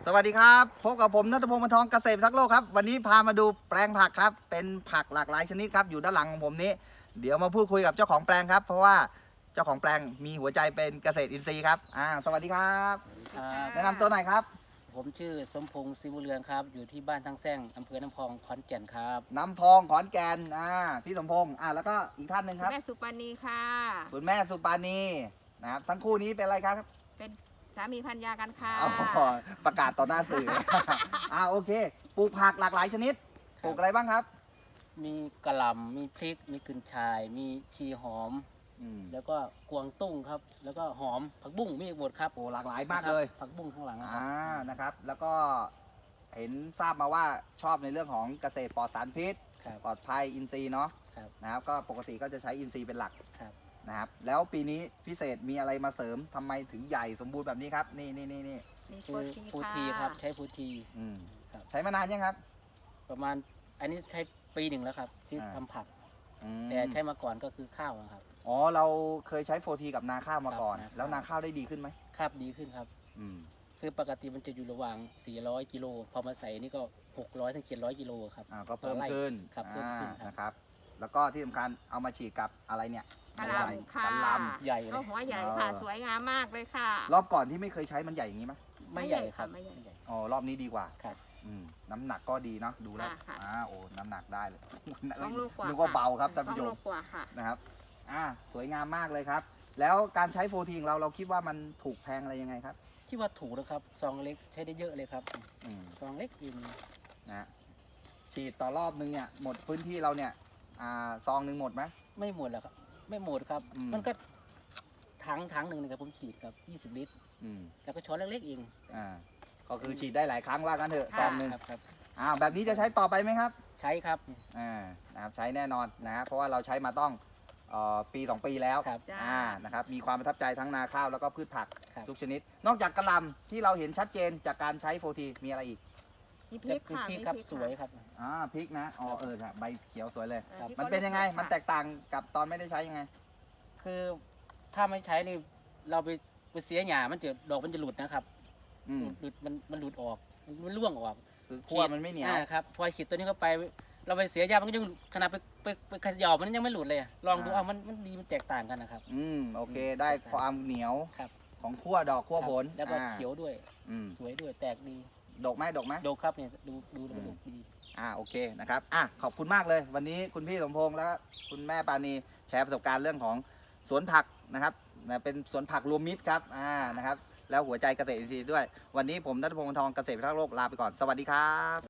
สวัสดีครับพบกับผมณัฐพงศ์ บรรทองเกษตรพิทักษ์โลกครับวันนี้พามาดูแปลงผักครับเป็นผักหลากหลายชนิดครับอยู่ด้านหลังของผมนี้เดี๋ยวมาพูดคุยกับเจ้าของแปลงครับเพราะว่าเจ้าของแปลงมีหัวใจเป็นเกษตรอินทรีย์ครับสวัสดีครับครับแนะนำตัวหน่อยครับผมชื่อสมพงศ์ศิวเรืองครับอยู่ที่บ้านทั้งแซงอำเภอน้ำพองขอนแก่นครับน้ำพองขอนแก่นพี่สมพงศ์แล้วก็อีกท่านหนึ่งครับแม่สุปานีค่ะคุณแม่สุปานีนะครับทั้งคู่นี้เป็นอะไรครับเป็นสามีภรรยากันค่ะประกาศต่อหน้าสื่อ โอเคปลูกผักหลากหลายชนิดปลูกอะไรบ้างครับมีกระหล่ำมีพริกมีกึ่นชายมีชีหอมแล้วก็กวางตุ้งครับแล้วก็หอมผักบุ้งมีหมดครับโอ้หลากหลายมากเลยผักบุ้งข้างหลังนะครับแล้วก็เห็นทราบมาว่าชอบในเรื่องของเกษตรปลอดสารพิษปลอดภัยอินทรีย์เนาะนะครับก็ปกติก็จะใช้อินทรีย์เป็นหลักนะครับแล้วปีนี้พิเศษมีอะไรมาเสริมทำไมถึงใหญ่สมบูรณ์แบบนี้ครับนี่คือฟูทีครับใช้ฟูทีใช้มานานยังครับประมาณอันนี้ใช้ปีหนึ่งแล้วครับที่ทำผักแต่ใช้มาก่อนก็คือข้าวครับอ๋อเราเคยใช้โฟทีกับนาข้าวมาก่อนแล้วนาข้าวได้ดีขึ้นไหมครับดีขึ้นครับคือปกติมันจะอยู่ระหว่าง400กิโลพอมาใส่นี่ก็600ถึง700กิโลครับก็เพิ่มขึ้นครับเพิ่มขึ้นนะครับแล้วก็ที่สำคัญเอามาฉีดกับอะไรเนี่ยกระลำค่ะใหญ่เลยหัวใหญ่ค่ะสวยงามมากเลยค่ะรอบก่อนที่ไม่เคยใช้มันใหญ่อย่างนี้ไหมไม่ใหญ่ครับไม่ใหญ่อ๋อรอบนี้ดีกว่าครับน้ำหนักก็ดีเนาะดูแล้วโอ้น้ำหนักได้เลย 2 ลูกกว่านึกว่าเบาครับท่านผู้ชมนะครับสวยงามมากเลยครับแล้วการใช้โฟทีของเราคิดว่ามันถูกแพงอะไรยังไงครับคิดว่าถูกนะครับซองเล็กใช้ได้เยอะเลยครับซองเล็กอินนะฉีดต่อรอบนึงเนี่ยหมดพื้นที่เราเนี่ยซองนึงหมดไหมไม่หมดแล้วครับไม่หมดครับมันก็ถังหนึ่งนะครับผมฉีดครับ20 ลิตรแล้วก็ช้อนเล็กๆเองก็คือฉีดได้หลายครั้งว่ากันเถอะซองนึงครับแบบนี้จะใช้ต่อไปไหมครับใช้ครับนะครับใช้แน่นอนนะเพราะว่าเราใช้มาต้องปี2 ปีแล้วนะครับมีความประทับใจทั้งนาข้าวแล้วก็พืชผักทุกชนิดนอกจากกระหล่ำที่เราเห็นชัดเจนจากการใช้โฟทีมีอะไรอีกมีพริกครับสวยครับพริกนะใบเขียวสวยเลยมันเป็นยังไงมันแตกต่างกับตอนไม่ได้ใช้ยังไงคือถ้าไม่ใช้นี่เราไปเสียหญ้ามันจะดอกมันจะหลุดนะครับหลุดมันหลุดออกมันร่วงออกคือขั้วมันไม่เหนียวครับพอขีดตัวนี้เข้าไปเราไปเสียหญ้ามันก็ยังขนาดไปขย่อมันยังไม่หลุดเลยลองดูมันดีมันแตกต่างกันนะครับโอเคได้ความเหนียวของขั้วดอกขั้วผลแล้วก็เขียวด้วยสวยด้วยแตกดีดกไหมดกครับเนี่ยดูดกดีโอเคนะครับขอบคุณมากเลยวันนี้คุณพี่สมพงษ์และคุณแม่ปานีแชร์ประสบการณ์เรื่องของสวนผักนะครับเป็นสวนผักรวมมิตรครับนะครับแล้วหัวใจเกษตรอินทรีย์ด้วยวันนี้ผมณัฐพงศ์ บรรทองเกษตรพิทักษ์โลกลาไปก่อนสวัสดีครับ